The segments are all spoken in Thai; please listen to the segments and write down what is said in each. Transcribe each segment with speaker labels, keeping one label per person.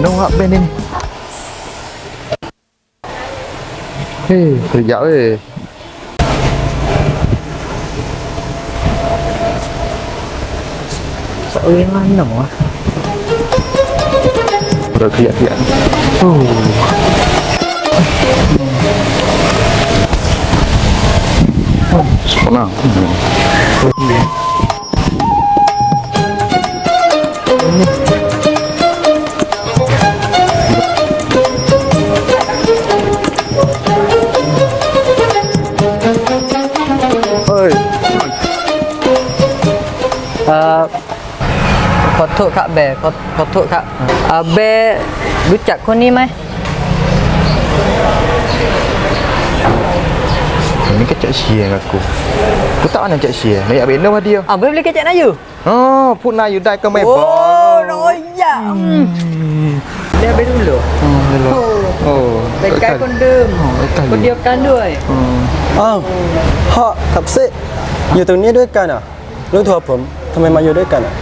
Speaker 1: nongak ben ini. Kerja
Speaker 2: mana wah?
Speaker 1: Udah kerja. Senang.
Speaker 2: ขอโทษครับแบขอโทษครับแบรู้จักคนนี้ไหม
Speaker 1: Ini kecak sia aku. Aku tak nak cak sia. Nak ambil nama dia.
Speaker 2: Boleh beli kecak Nayu?
Speaker 1: Oh, pun Nayu dah ke main ball.
Speaker 2: Oh, royak. Dia ambil dulu.เป็นไกด์คนเดิมคนเดียวกันด้วย
Speaker 3: พ่อกับเซอยู่ตรงนี้ด้วยกันอ่ะรู้ตัวผมทำไมมาอยู่ด้วยกันอ่ะ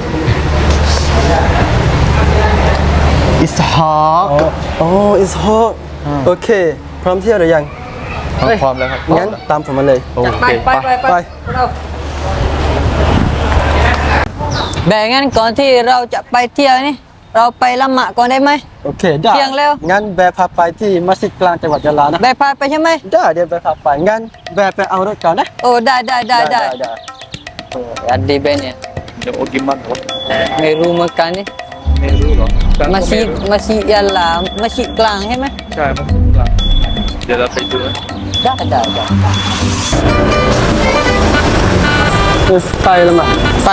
Speaker 1: Ishak
Speaker 3: อิสฮอกโอเคพร้อมเที่ยวหรือยัง
Speaker 1: พร้อมแล้วครับ
Speaker 3: งั้นตามผมมาเลย
Speaker 2: ไปแบ่งงั้นก่อนที่เราจะไปเที่ยวนี่เราไปละหมาดก่อนได้ไหม
Speaker 3: โอเคได้
Speaker 2: เที่ยงแล้ว
Speaker 3: งั้นแบร์พาไปที่มัสยิดกลางจังหวัดยะลานะ
Speaker 2: แบ่พาไปใช่ไหม
Speaker 3: ได้เดี๋ยวแบร์พาไปงั้นแบร์ไปเอารถก่อนนะ
Speaker 2: โอ้ได้อันดีเบนเนี่ย
Speaker 1: Oh, gimana?
Speaker 2: ไม่รู้เหมือนกันนี่
Speaker 1: ไม่รู้หรอ
Speaker 2: มัสยิดยะลามัสยิดกลางใช่ไหม
Speaker 1: ใช่มัสยิดกลางเดี๋ยวเราไปดู
Speaker 2: ได้
Speaker 3: ไปละหมาด
Speaker 2: ไป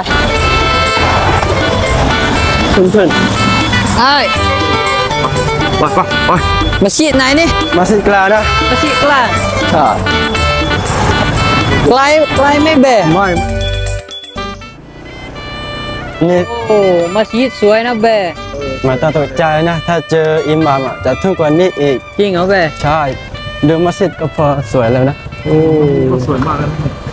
Speaker 3: เพื่อน
Speaker 2: ไอ้
Speaker 1: ไป
Speaker 2: มัสยิดไหนนี่
Speaker 3: มัสยิดกลางนะ
Speaker 2: มัสยิดกลาง
Speaker 3: ใช่
Speaker 2: ไกลไม่แบ่
Speaker 3: ไม่นี่
Speaker 2: โอ้มัสยิดสวยนะแบ่
Speaker 3: ไม่ต้องตกใจนะถ้าเจออิหม่ามจะทุกกว่านี้อีก
Speaker 2: จริงเหรอแบ่
Speaker 3: ใช่ดูมัสยิดก็พอสวยแล้วนะ
Speaker 1: สวยมากแล้ว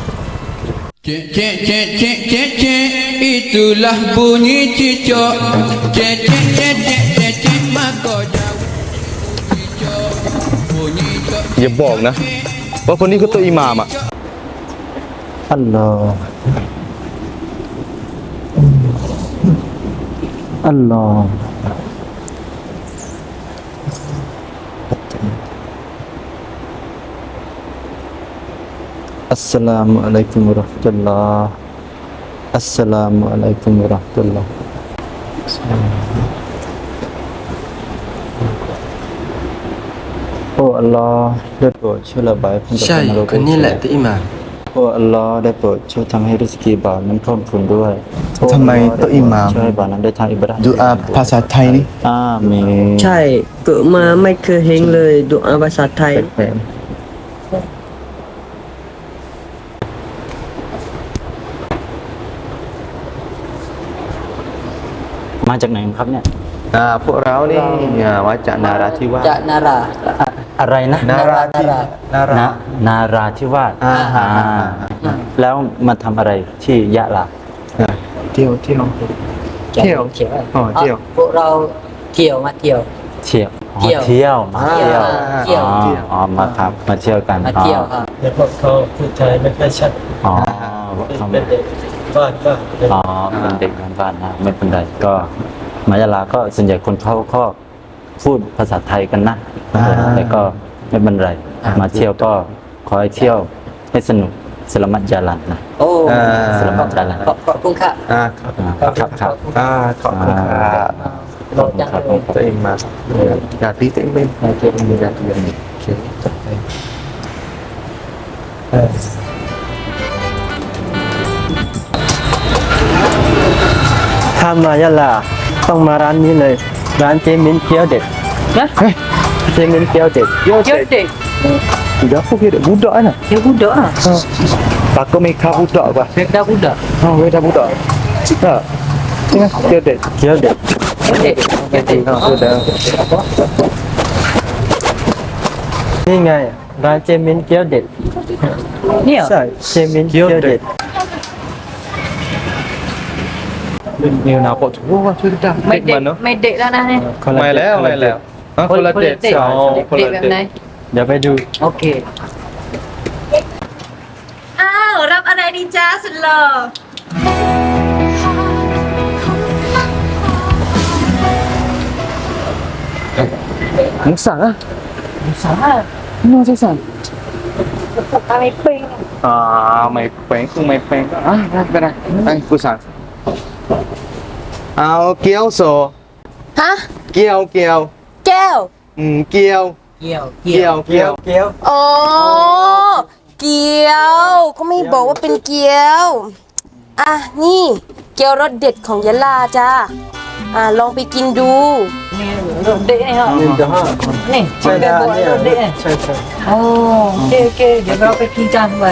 Speaker 4: Cek, itulah bunyi cicak. Cek, maka jauh cicak. Bunyi cicak.
Speaker 1: อย่าบอกนะว่าคนนี้คือตัวอิหม่ามอ่ะ
Speaker 3: อัลลอฮ์อัลลอฮ์อัสสลามุอะลัยกุมวะเราะห์มะตุลลอฮ์อัสสลามุอะลัยกุมวะเราะห์มะตุลลอฮ์โอ้อัลลอฮ์ได้โปรดช่วยระบายพ้นจากความโลภคนนี้แหละที่อิหม่ามโอ้อัลลอฮ์ได้โปรดช่วยทำให้ริสกีบ่าวนั้นเพิ่มพูนด้วย
Speaker 1: ทำไมตัวอิหม่าม
Speaker 3: ช่วยให้บ่าวนั้นได้ทำอิบาดะห์
Speaker 1: ดูอาภาษาไทยนี่
Speaker 3: อาเมน
Speaker 5: ใช่เกิดมาไม่เคยเห็นเลยดุอาภาษาไทย
Speaker 3: แปลกๆมาจากไหนครับเนี่ย
Speaker 1: พวกเรานี่มาจากนาราธิวาส
Speaker 2: จะนารา
Speaker 3: อะไรนะ
Speaker 1: นารา
Speaker 3: นาราธิวาสแล้วมาทำอะไรที่ยะลา
Speaker 1: เที่ยว
Speaker 2: พวกเราเที่ยวมาเที่ยว
Speaker 3: เที่ยว
Speaker 2: เที่ยว
Speaker 3: เที่ยวมาเที่ยว
Speaker 2: เที่ยว
Speaker 3: อ๋อมาครับมาเที่ยวกัน
Speaker 2: มาเที่ยวครับ
Speaker 3: เดี๋ยวพวกเขาพูดไทยไม่ค่อยชัดอ๋อเป็นเด็กบ้านอ๋อเป็นเด็กบ้านนะไม่เป็นไรก็มายะลาก็ส่วนใหญ่คนเขาก็พูดภาษาไทยกันนะแต่ก็ไม่เป็นไรมาเที่ยวก็ขอให้เที่ยวให้สนุกสลามัตยาลันนะ
Speaker 2: โอ้
Speaker 3: สลามัตยาลัน
Speaker 2: ขอบคุณค่ะ
Speaker 3: ครับ
Speaker 1: ขอบคุณครับตัวเองมาอยากดีตัวเองเป็นอยากเรียน
Speaker 3: ถ้ามายะลาต้องมาร้านนี้เลยร้านเจมินเกี๊ยวเด็ด
Speaker 2: นะ
Speaker 3: เจมินเกี๊ยวเด็ด
Speaker 2: เที่ยวเด็ก
Speaker 1: Udah aku kira budak kan?
Speaker 2: Dia budak ah.
Speaker 1: Takut mereka budak apa?
Speaker 2: Mereka budak.
Speaker 1: Mereka budak. Tak. Tengah dia dek.
Speaker 3: เกี๊ยวเด็ด
Speaker 2: Dik.
Speaker 1: sudah.
Speaker 3: นี่ไงร้านเจมินเกี๊ยวเด็ด
Speaker 2: Ni ah.
Speaker 3: ใช่เจมินเกี๊ยวเด็ด
Speaker 1: นิวนาโปถูว่าช่วยดัง
Speaker 2: ไม่
Speaker 1: เด็ก
Speaker 2: เด็ก
Speaker 1: มันเนาะ
Speaker 2: ไม่เด็กแล้วนะเนี่ย
Speaker 1: ไม่แล้วไม่แล้วคนละเด็ก
Speaker 2: เด็ก
Speaker 1: สองคน
Speaker 2: เด็ก
Speaker 1: ละ
Speaker 2: แบบ
Speaker 1: เด็ก
Speaker 2: ไหน
Speaker 3: เดี๋ยวไปดู
Speaker 2: โอเค
Speaker 6: อ้าว รับอะไรดีจ้าสุดหล่อ
Speaker 1: มึงสั่งอ่ะ
Speaker 2: สา
Speaker 1: มึงใช่สั่ง
Speaker 2: อะไรปิง
Speaker 1: ไม่เป็นอ่ะได้ไปได้ไอ้กูสั่งเอาเกี๊ยวโซ
Speaker 6: ฮะ
Speaker 1: เกี๊ยว
Speaker 6: แก้ว
Speaker 1: เกี๊ยว
Speaker 2: เกี่ยว
Speaker 1: เกี๊ยว
Speaker 6: อ๋อ เกี๊ยว ก็ไม่บอกว่าเป็นเกี๊ยว อ่ะ นี่ เกี๊ยวรสเด็ดของยะลาจ้า ลองไปกินดู
Speaker 2: นี่รถเด็กเนี่ย
Speaker 3: นี่เดี๋ยวห้า
Speaker 2: นี่
Speaker 3: ใช่
Speaker 2: แก
Speaker 3: นะ
Speaker 2: บอก
Speaker 3: เนี่ย
Speaker 2: รถเด็กเนี่ย
Speaker 3: ใช่ใช่
Speaker 2: โอ้โอเคโอเคเดี๋ยวเราไปกินกันไป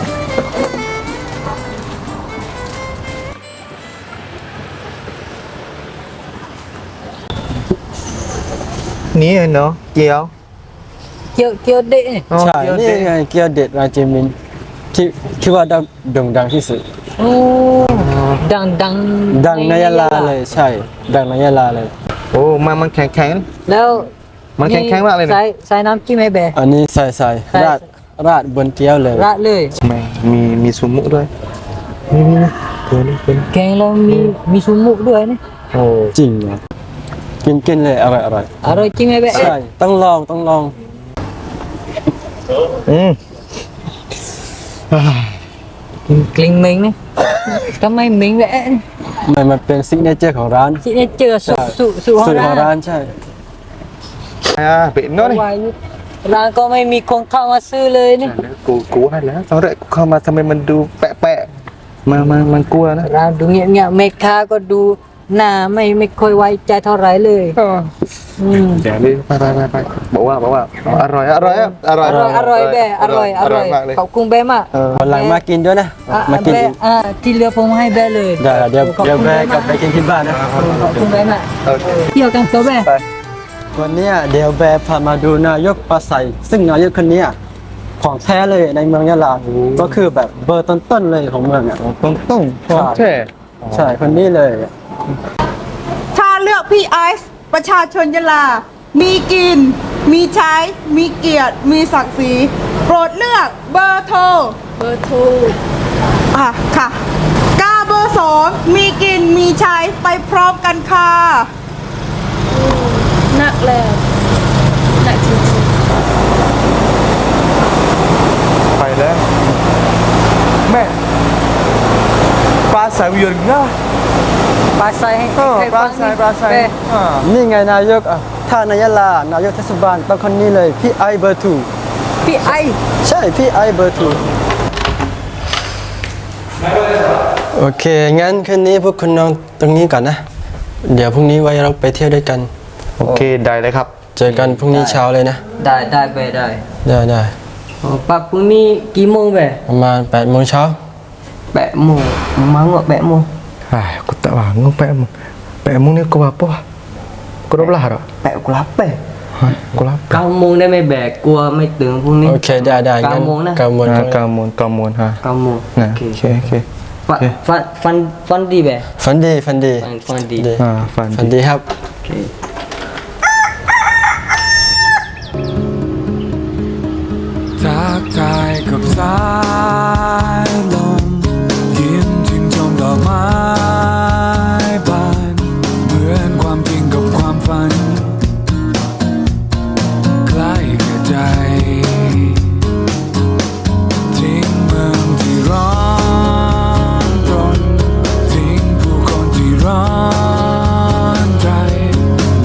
Speaker 1: นี่เนาะเกี๊ยว
Speaker 2: เกี่ยวเด็กเนี่ย
Speaker 3: ใช่นี่ไงเกี๊ยวเด็ดราเจมินที่ว่าโด่งดังที่สุด
Speaker 2: โอ้ดัง
Speaker 3: ดังในยะลาเลยใช่ ดังในยะลาเลย
Speaker 1: โอ้มันแข็ง
Speaker 2: แล้ว
Speaker 1: มันแข็งๆมากเลยนะ
Speaker 2: ใส่น้ำจิ้มให้แบะ
Speaker 3: อันนี้ใส่
Speaker 2: ใส่
Speaker 3: ราดบนเกี๊ยวเลย
Speaker 2: ราดเลย
Speaker 1: ไม่มีซุมุด้วยนี่ตัวนี้เป็น
Speaker 2: แกงเรามีซุมุด้วยนี่
Speaker 1: โอ้
Speaker 3: จริงเหรอกินเลยอร่อย
Speaker 2: อร่อยจริงไหมแบะ
Speaker 3: ใช่ต้องลอง
Speaker 1: อืม
Speaker 2: กลิ่นเหม็นนี่ทำไมเหม็นแบะ
Speaker 3: มันเป็นซิกเนเจอร์ของร้าน
Speaker 2: สิเนี่ยเจอสูของ
Speaker 3: สูตรของ
Speaker 2: ร้า
Speaker 3: ร้าน นใช่
Speaker 1: เป็นเนาะนี่
Speaker 2: วายร้านก็ไม่มีคนเข้ามาซื้อเลยนี่
Speaker 1: กูให้แล้วตอนแรกกูเข้ามาทำไมมันดูแปะมันกลัวนะ
Speaker 2: ร้านดูเงียบๆแม่ค้าก็ดูหน้าไม่ค่อยไว้ใจเท่าไหร่เลยอืม
Speaker 1: เดี๋ยวนี้ไปบอกว่าอร่อย
Speaker 2: อร่อยแบะอร่อย
Speaker 1: มากเลย
Speaker 2: ขอบคุณแบะมาก
Speaker 3: วันหลังมากินด้วยนะ มากิน
Speaker 2: แบะที่เหลือผมให้แบะเลย
Speaker 3: เดี๋ยวแม่กลับไปกินที่บ้านนะ
Speaker 2: ขอบคุณแบะมากเที่ยวกันตัวแบะ
Speaker 3: วันเนี้ยเดี๋ยวแบร์พามาดูนายกปราศัยซึ่งนายกคนเนี้ยของแท้เลยในเมืองยะลาก็คือแบบเบอร์ต้นๆเลยของเมืองอ่ะ
Speaker 1: ต้องแช่
Speaker 3: ใช่คนนี้เลย
Speaker 7: ถ้าเลือกพี่ไอซ์ประชาชนยะลา มีกิน มีใช้ มีเกียรติ มีศักดิ์ศรี โปรดเลือกเบอร์โทร
Speaker 6: เบอร์โทร
Speaker 7: ค่ะกาเบอร์ 2 มีกิน มีใช้ ไปพร้อมกันค่ะ
Speaker 6: หนักแล้วหนักจริง
Speaker 1: ไปแล้วแม่ปลาสายวิวง่า
Speaker 2: ปลาใส่ให้
Speaker 1: ปลาสาย
Speaker 2: แบะ
Speaker 3: นี่ไงนายกอ่ะถ้าในยะลานายกเทศบาลต้องคนนี้เลยพี่ไอเบอร์ทู
Speaker 2: พี่ไอ
Speaker 3: ใช่พี่ไอเบอร์ทูโอเคงั้นคืนนี้พวกคุณนอนตรงนี้ก่อนนะ เดี๋ยวพรุ่งนี้ไว้เราไปเที่ยวด้วยกัน
Speaker 1: โอเคได้เลยครับ
Speaker 3: เจอกันพรุ่งนี้เช้าเลยนะ
Speaker 2: ได้แบะได้
Speaker 3: ได้
Speaker 2: ปักพรุ่งนี้กี่โมงแบะ
Speaker 3: ประมาณ8 โมงเช้า
Speaker 2: 8 โมงมั้ง8 โมง
Speaker 1: aku tak bangun Pak Mung ni kau apa? Kau dah belah tak?
Speaker 2: 8 กูรับแปด
Speaker 1: Kau lapar.
Speaker 2: 9 โมงได้ไหมแบกกลัวไม่ตื่นพรุ่งนี้
Speaker 3: โอเคได้
Speaker 2: 9 โมงนะ
Speaker 3: 9 โมง
Speaker 1: Kamun ha.
Speaker 2: 9 โมง
Speaker 1: Nah, okey.
Speaker 2: ฟันดีแบะ
Speaker 3: ฝันดี
Speaker 2: ฟันดี
Speaker 3: ฝันดีครับ
Speaker 2: โอเค
Speaker 4: ทักทายกับสายลมยิ้มชื่นชมดอกไม้บานเหมือนความจริงกับความฝันใกล้กระใจทิ้งเมืองที่ร้อนรนทิ้งผู้คนที่ร้อนใจ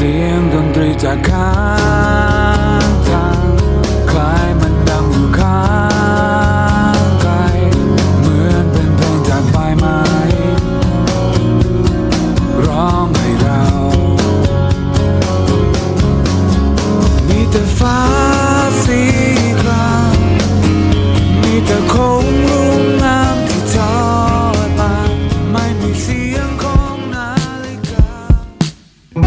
Speaker 4: สียงดนตรีจากข้างทางคล้ายมันดังอยู่ข้างไกลเหมือนเป็นเพลงจากปลายไม้ร้องให้เรา มีแต่ฟ้าสีครามมีแต่โค้งรุ่งงามที่ทอดมาไม่มีเสียงของนาฬิกา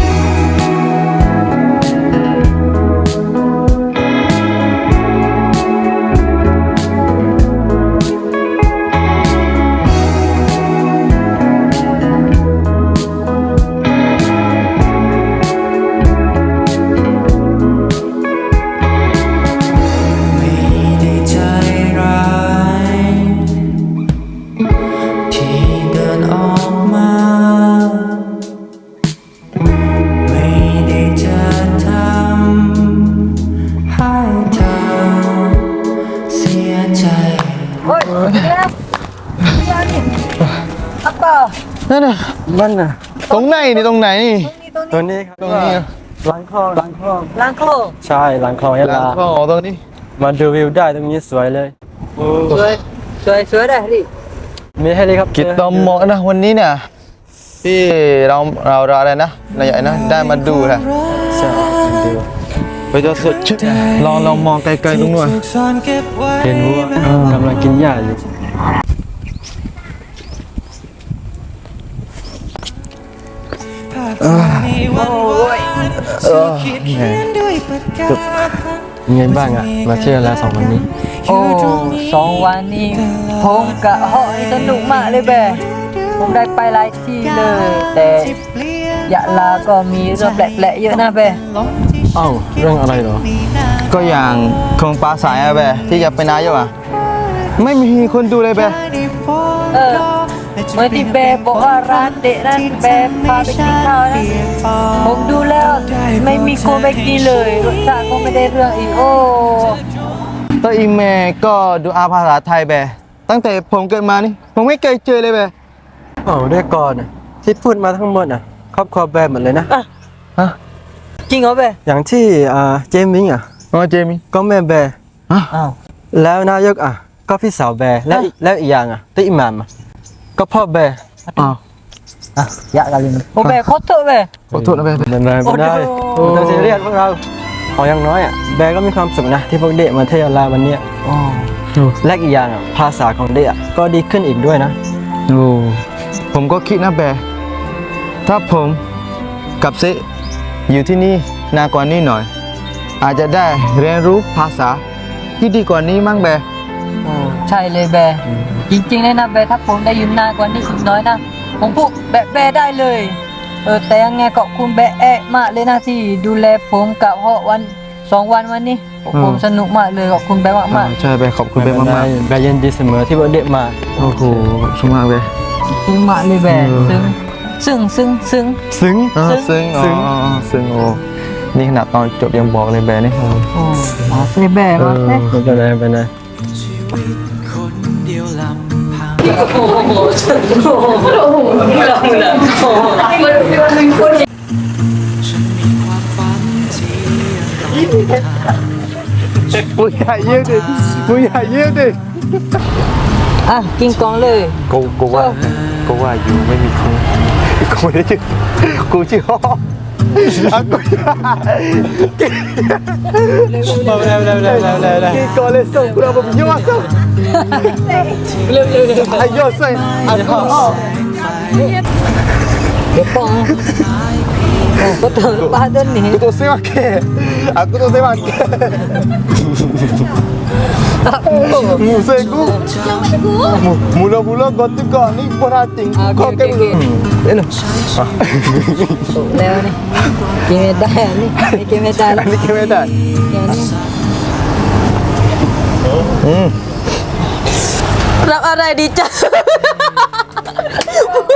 Speaker 8: ไม่ได้ใจร้ายที่เดินออกมา ไม่ได้จะทำให้เธอเสียใจ
Speaker 1: นั่นน่ะมันน่ะตรงไหนนี่ตรงไหนนี่
Speaker 3: ตัวนี้ครับ
Speaker 1: ตรงนี้
Speaker 3: หลังคลอง
Speaker 2: ล้างโคก
Speaker 3: ใช่หลังคลองยะ
Speaker 1: หลั
Speaker 3: ลาง
Speaker 1: คลองตรงนี้
Speaker 3: มาดูวิวได้ตรงนี้สวยเลย
Speaker 2: สวยได้ดิ
Speaker 3: มีเฮลิคอปเตอร์
Speaker 1: กิจตอมเหมาะนะวันนี้เนี่ยที่เราอะไรนะนายใหญ่นะได้มาดูแหละ
Speaker 3: ใช่ดู
Speaker 1: ไปจะสดชื่นลองมองไกลๆตรงนู้น
Speaker 3: เห็นวัวกำลังกินหญ้าอยู่ ยังไงบ้างอ่ะ มาเที่ยวแล้ว2 วันนี้
Speaker 2: โอ้2 วันนี้ผมกะเหาะสนุกมากเลยแบผมได้ไปหลายที่เลย แต่ยะลาก็มีเรื่องแปลกๆเยอะนะแบ
Speaker 3: เอ้าเรื่องอะไรเหรอ
Speaker 1: ก็อย่างโครงปลาสายอะแบที่จะไปนายกอ่ะไม่มีคนดูเลยแบ
Speaker 2: เออเมื่อที่แบบอกว่าร้านเด็ดนั้นแบพาไปกินข้าวนะผมดูแล้วไม่มีคนไปกินเลยรสชาติก็ไม่ได้เรื่องอีกโอ้
Speaker 1: ตัวอีเมลก็ดูอาภาษาไทยแบตั้งแต่ผมเกิดมานี่ผมไม่เคยเจอเลยแบ
Speaker 3: เอ้าด้วยก่อนน่ะที่พูดมาทั้งหมดอ่ะครอบครัวแบร์หมดเลยนะ
Speaker 1: ฮะ
Speaker 2: จริงเหรอแบ
Speaker 3: อย่างที่เจมมิงอ่ะ
Speaker 1: อ๋อเจมี่
Speaker 3: ก็แม่แบร์
Speaker 2: อ้าว
Speaker 3: แล้วนายกอ่ะ ก็พี่สาวแบร์แล้วอีกอย่างอ่ะที่อิหม่ามอ่ะก็พ่อแบร์
Speaker 1: อ้าว
Speaker 2: อ่ะยะกันเลยโอ้แบขอโทษแบ
Speaker 1: ขอโทษนะแบ
Speaker 3: ไม่ได้ไม่ได้
Speaker 2: โอ้
Speaker 3: ไม่ต้องซีเรียสพวกเราเอาอย่างน้อยอ่ะแบร์ก็มีความสุขนะที่พวกเด็กมาเที่ยวลาวันเนี้ยและอีกอย่างอ่ะภาษาของเด็กอ่ะก็ดีขึ้นอีกด้วยนะ
Speaker 1: โอ้ผมก็คิดนะแบถ้าผมกับเซอยู่ที่นี่นานกว่านี้หน่อย อาจจะได้เรียนรู้ภาษาที่ดีกว่านี้มั้งแบ
Speaker 2: ใช่เลยแบจริงๆเลยนะแบถ้าผมได้ยืนนานกว่านี้อีกน้อยนะผมพูดแบได้เลยแต่ยังไงขอบคุณแบมากเลยนะที่ดูแลผมกับเหาะวัน2 วันวันนี้ผมสนุกมากเลยขอบคุณแบมาก
Speaker 1: ใช่แบขอบคุณแบมาก
Speaker 3: แบร์ยินดีเสมอที่พวกเด็กมา
Speaker 1: ๆโอ้โหขอบคุณมากแบ
Speaker 2: ๆซึ้งมากเลยแบซึ้ง
Speaker 1: ซึ้งซึ้งอ๋อซึ้งโอ้นี่ขนาดตอนจบยังบอกเลยแบนี่
Speaker 2: โอ้มาเลยแบมาเลย
Speaker 3: ไม่เป็นไรไม่เป็นไร
Speaker 8: คนเดียวลำพัง ฉันมีความฝันที่ยังต้องทำ
Speaker 1: มึงอย่าเยี่ยมดิมึงอย่าเยี่ยมดิ
Speaker 2: อ่ะกินกองเลย
Speaker 1: กูว่าอยู่ไม่มีครูกูได้ชื่อกูชื่อฮ่ออ่ะกูกินก่อนเลยส่งกูเราแบบยั่วส่งไอ้ยั่วใส่อ่ะฮ่อ
Speaker 2: เดี๋ยวป้องก็เติมปลาต้นนี้
Speaker 1: aku tak semakin aku tak semakin Musik ku Mula-mula kau tukar ni perhatiin kau kan dulu Ini
Speaker 2: แล้วนี่กินไม่ได้นี่กินไม่ได้
Speaker 1: Ini kemedan
Speaker 6: รับอะไรดีจ้ะ